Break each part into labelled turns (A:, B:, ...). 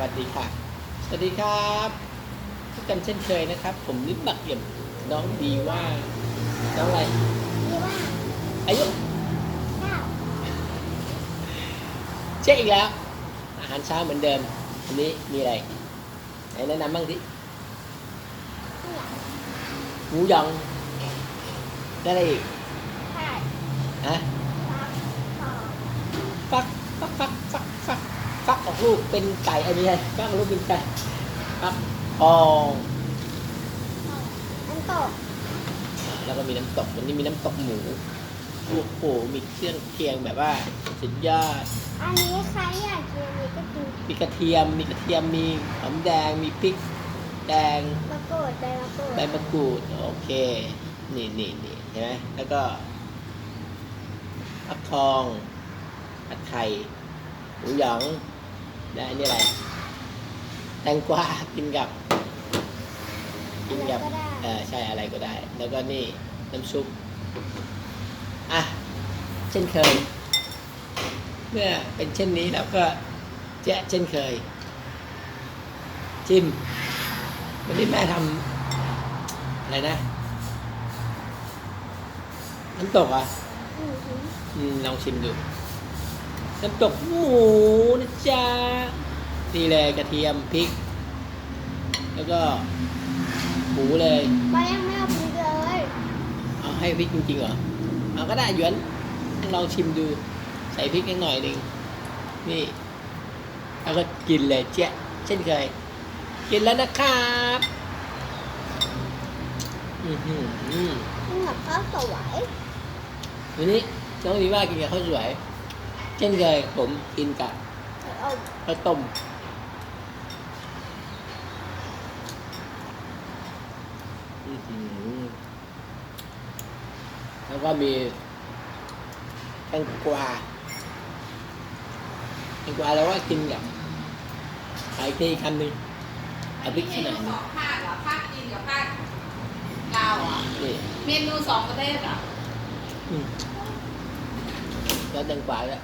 A: วัสดีค่ะสวัสดีครับพบกันเช่นเคยนะครับผมลิบบักเอี่ยมน้องดีว่าน้องอะไร
B: ดีว่า
A: อายุ
B: เก้า
A: เช็คอีกแล้วอาหารเช้าเหมือนเดิมวันนี้มีอะไรไหนแนะนำบ้างสิหมูหยองได้อะไรอีก
B: ใช่
A: ฮะ
B: ฟัก
A: ฟักออกลูกเป็นไก่อันนี้ไงฟักออกลูกเป็นไก่ฟักทอง
B: น้ำตก
A: แล้วก็มีน้ำตกวันนี้มีน้ำตกหมูโอ้โหมีเครื่องเคียงแบบว่าสุดยอด
B: อันนี้ใครอยากกินอันนี้ก็กิน
A: มีกระเทียมมีหอมแดงมีพริกแดง
B: มะกรูดใบมะกรูด
A: ใบมะกรูดโอเคนี่เห็นไหมแล้วก็ฟักทองผัดไข่หมูหยองได้นี่อะไรแตงกวากินกับใช่อะไรก็ได้แล้วก็นี่น้ำซุปอ่ะเช่นเคยเมื่อเป็นเช่นนี้แล้วก็แจ๊ะเช่นเคยชิมวันนี้แม่ทำอะไรนะน้ำตกอ่ะลองชิมดูน้ำตกหมูนะจ๊ะนี่เลยกระเทียมพริกแล้วก็หมูเลย
B: ป้ายังไม่เอาพริกเลย
A: เอาให้พริกจริงๆเหรอเอาก็ได้หยวนลองชิมดูใส่พริกนิดหน่อยหนึ่งนี่แล้วก็กินเลยเจ๊ะเช่นเคยกินแล้วนะครับ
B: กินกับข้าวสวย
A: วันนี้น้องดีว่ากินกับข้าวสวยเช่นเคยผมกินกับข้าวต้มแล้วก็มีแตงกวาแล้วว่ากินกับไข่ที่คำหนึ่งเอาพริกขนาดนี้
C: ภาคเหรอภาคจีนกับภาคลาวอ่ะเมนูสองประเทศอ่ะ
A: แล้วแตงกวาแล้ว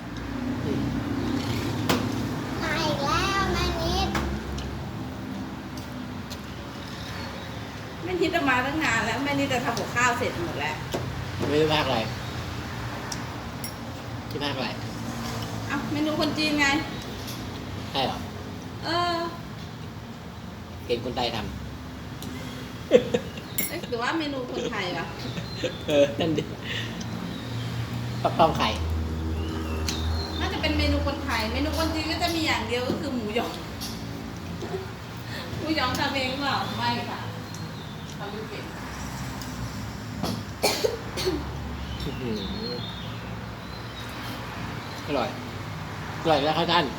B: มาอีกแล้วแม่นิด
C: แม่นิดจะมาตั้งนานแล้วแม่นิดจะทำกับข้าวเสร็จหมดแล้ว
A: ไม่รู้ภาคอะไรที่ภาคอะไร
C: เอ้าเมนูคนจีนไง
A: ใช่หรอเห็นคนไทยท
C: ำหรือว่าเมนูคนไทยวะ
A: นั่นดิฟักทองไข่
C: น่าจะเป็นเมนูคนไทยเมนูคนจีนก็จะมีอย่างเดียวก็คือหมูหยองทำเองเปล่าไม่ค่ะทำไม่เป็น
A: อร่อยแล้วครับท่าน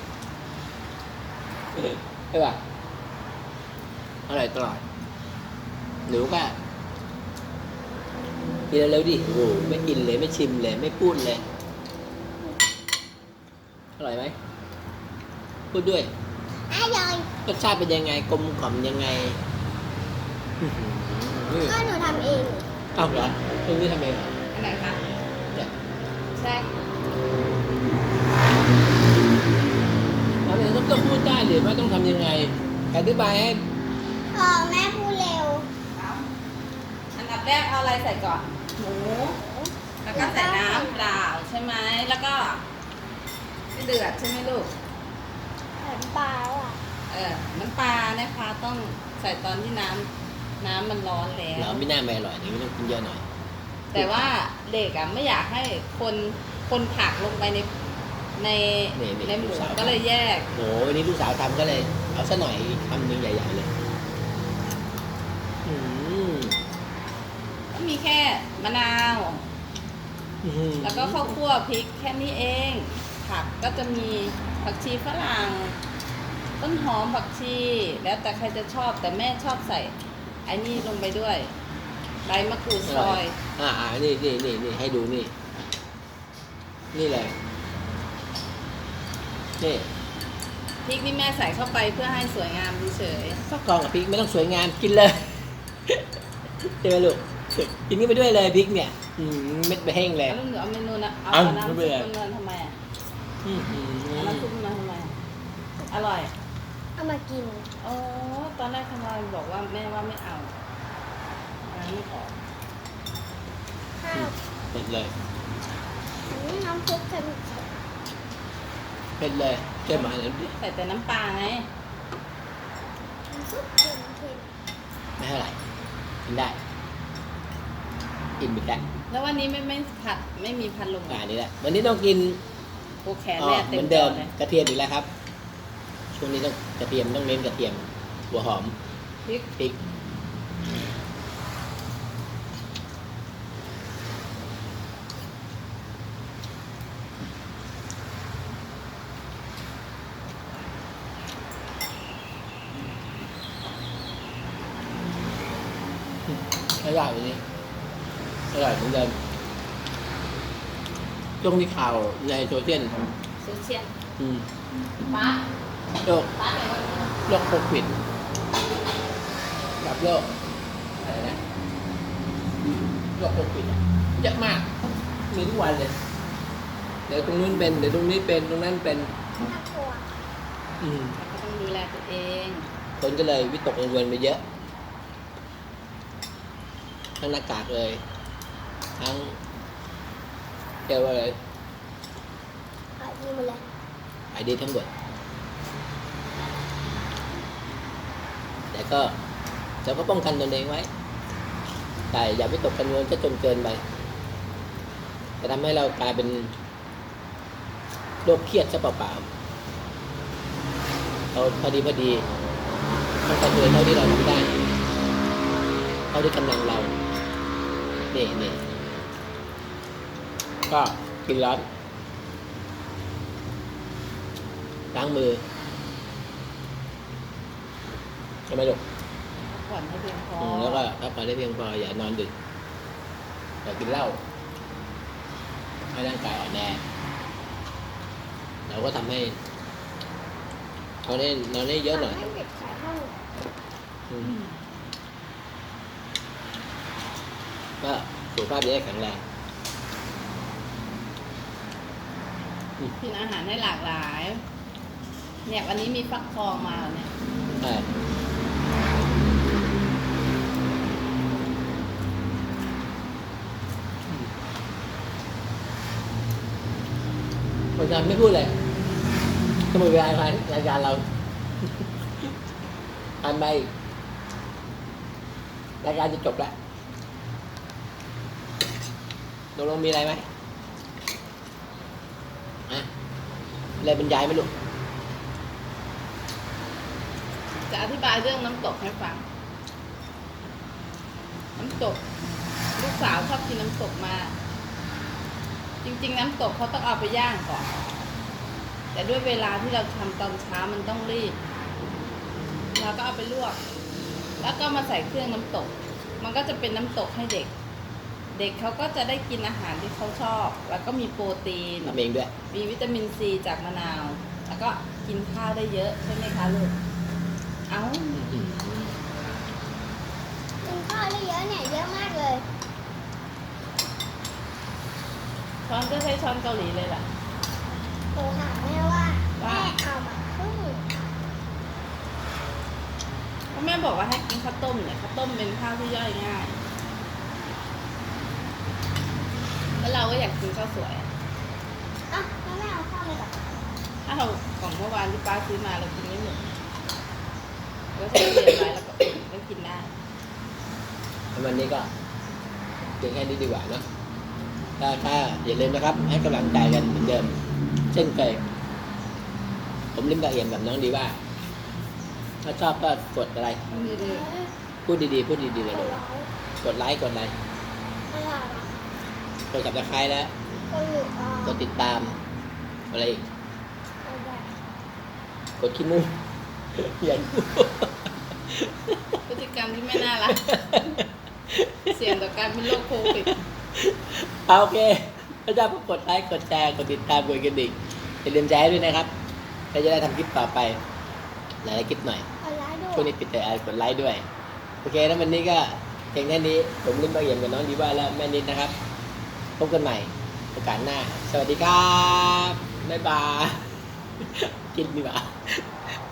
A: ใช่ป่ะอร่อยตลอดหนูก็กินเร็วดิโอ้โหไม่กินเลยไม่ชิมเลยไม่พูดเลยอร่อยไหมพูดด้วย
B: อร่อย
A: รสชาติเป็นยังไงกลมกล่อมยังไง
B: ก็หนูทำเอง
A: อ้าวเหรอคุณนี่ทำเองเหรอ
C: อันไหนคะแซ่
A: เราเนี่ยต้องพูดได้หรือว่าต้องทำยังไงอธิบายให้
B: แม่พูดเร็ว
C: อันดับแรกเอาอะไรใส่ก่อนหมูแล้วก็ใส่น้ำเปล่าใช่ไหมแล้วก็เดือดใช่ไหมลูก
B: น้ำปลาอ่ะ
C: น้ำปลานะคะต้องใส่ตอนที่น้ำมันร้อนแล้ว
A: เราไม่น่าไม่อร่อยนี่ไม่ต้องกินเยอะหน่อย
C: แต่ว่าเด็กอ่ะไม่อยากให้คนผักลงไปในหมูก็เลยแยก
A: โหวันนี้ลูกสาวทำก็เลยเอาซะหน่อยคำนึงใหญ่ๆเลย
C: ก็มีแค่มะนาวแล้วก็ข้าวคั่วพริกแค่นี้เองผักก็จะมีผักชีฝรั่งต้นหอมผักชีแล้วแต่ใครจะชอบแต่แม่ชอบใส่ไอ้นี่ลงไปด้วยใบมะกรูดซอย
A: นี่ให้ดูนี่เลยนี่
C: พริกนี่แม่ใส่เข้าไปเพื่อให้สวยงามเฉย
A: ฟักทองกับพริกไม่ต้องสวยงามกินเลยใช่ไหมลูกกินกันไปด้วยเลยพริกเนี่ยเม็ดไปแห้งเลย
C: แล้วเอาเมนูนะเอาน้ำซุปมันทำไมอ่ะน้ำซุปมันทำไมอร่อย
B: เอามากิน
C: อ๋อตอนแรกทำไมบอกว่าแม่ว่าไม่เอาล้างไม่ออก
B: ข้าว
A: เผ็ดเลย
B: น้ำซุปเค็ม
A: เผ็ดเลยเจ้าหมาเลยดิ
C: ใส่แต่น้ำปลาไง
B: น้ำซุปเค็ม
A: ไม่เท่าไหร่กินได้อิ่มอีกแล้ว
C: แล้ววันนี้ไม่ผัดไม่มีพัดลม
A: อันนี้แหละวันนี้ต้องกิน
C: โอแขน
A: อ๋อ
C: แม่
A: เห
C: เต็
A: มื
C: ม
A: อน
C: จ
A: เดิ
C: อ
A: ม
C: เลย
A: กระเทียมอีกแล้วครับ ช่วงนี้ต้องกระเทียมต้องเน้นกระเทียมหัวหอม
C: พริก
A: พริกอร่อยวันนี้อร่อยเหมือนเดิมช่วงที่ข่าวในโซเชียล
C: โซเชียล
A: อืม
C: ป้า
A: โรค
C: ป้าไหนวะ
A: โรคโควิดกับโรคอะไรนะโรคโควิดอะเยอะมากมีทุกวันเลยเดี๋ยวตรงนู้นเป็นเดี๋ยวตรงนี้เป็นตรงนั้นเป็น
B: ๆน่ากลัว
A: อืม
C: ก็ต้องดูแลตัวเอง
A: คนก็เลยวิตกกังวลไปเยอะ ทั้งหน้ากากเลย ทั้งเรียกว่าอะไร
B: เอาดีหมดเลย
A: ไอดีทั้งหมดแต่ก็เราก็ป้องกันตนเองไว้ แต่อย่าวิตกกังวลจะจนเกินไปจะทำให้เรากลายเป็นโรคเครียดซะเปล่าๆเอาพอดีต้องทำเลยเท่าที่เราทำได้เท่าที่กำลังเรานี่ก็กินร้อนล้างมือใช่ไหมลูก
C: พักผ่อนให้เพียงพอ
A: แล้วก็พักผ่อนได้เพียงพออย่านอนดึกอย่ากินเหล้าให้ร่างกายอ่อนแอเราก็ทำให้นอนได้เยอะหน่อย
B: ให้เด็กขายห้อง
A: อืมก็สุขภาพจะได้แข็งแรง
C: กินอาหารให้หลากหลาย เนี่ยวันนี้มีฟักทองมาเนี่ย
A: ใช่คนทำไม่พูดเลยก็หมดเวลารายการเราอันไปรายการจะจบแล้วตกลงมีอะไรไหมอะอะไรบรรยายไหมลูก
C: จะอธิบายเรื่องน้ำตกให้ฟัง น้ำตก ลูกสาวชอบกินน้ำตกมาก จริงๆน้ำตกเขาต้องเอาไปย่างก่อน แต่ด้วยเวลาที่เราทำตอนเช้ามันต้องรีบ เราก็เอาไปลวก แล้วก็มาใส่เครื่องน้ำตก มันก็จะเป็นน้ำตกให้เด็ก เด็กเขาก็จะได้กินอาหารที่เขาชอบ แล้วก็มีโปรตีน
A: ทำเองด้วย
C: มีวิตามินซีจากมะนาว แล้วก็กินข้าวได้เยอะใช่ไหมคะลูก เอ้า
B: กินข้าวได้เยอะเนี่ยเยอะมากเลย
C: ช้อนก็ใช้ช้อนเกาหลีเลยล่ะ
B: โทรถามแม่ว่าแม่เอามาครึ่ง
C: เพราะแม่บอกว่าให้กินข้าวต้มเนี่ยข้าวต้มเป็นข้าวที่ย่อยง่าย แล้วเราก็อยากกินข้าวสวย
B: อ่ะแล้วแม่เอาข้าวมาจากไหน
C: ถ้าเราของเมื่อวานที่ป้าซื้อมาเรากินไม่หมดเราก็ใช้เรียนไว้แล้วก็อุ่นก็กินได้
A: วันนี้ก็เพียงแค่นี้ดีกว่าเนาะถ้าอย่าลืมนะครับ ให้กำลังใจกันเหมือนเดิม เช่นเคยผมลิ้มกระเอียมกับน้องดีว่า ถ้าชอบก็กดอะไร
C: นี่ดี
A: พูดดีๆพูดดีๆเลย
B: ตัว
A: ลูก
B: ร้อย
A: กดไลค์กดอะไร
B: อะไรอ่ะ
A: กด subscribe แล้ว
B: ตัวหลุดอ่ะ
A: กดติดตามอะไรอีก
B: อะไร
A: กดขี้มูกอย่าพูด
C: พฤติกรรมที่ไม่น่ารัก เสี่ยงต่อการเป็นโรคโควิด
A: เอาโอเคถ้าชอบก็กดไลค์กดแชร์กดติดตามกดกระดิ่งอย่าลืมแชร์ด้วยนะครับเราจะได้ทำคลิปต่อไปหลายๆคลิปหน่อย
B: อะไรด้
A: ช่วง
B: วย
A: นี้ปิดแต่กดไลค์ด้วย โอเคแล้ววันนี้ก็เพียงแค่นี้ผมลิ้มบะเอี่ยมกับน้องดีว่าและแม่นิดนะครับพบกันใหม่โอกาสหน้า สวัสดีครับบ๊ายบาย กินดีกว่า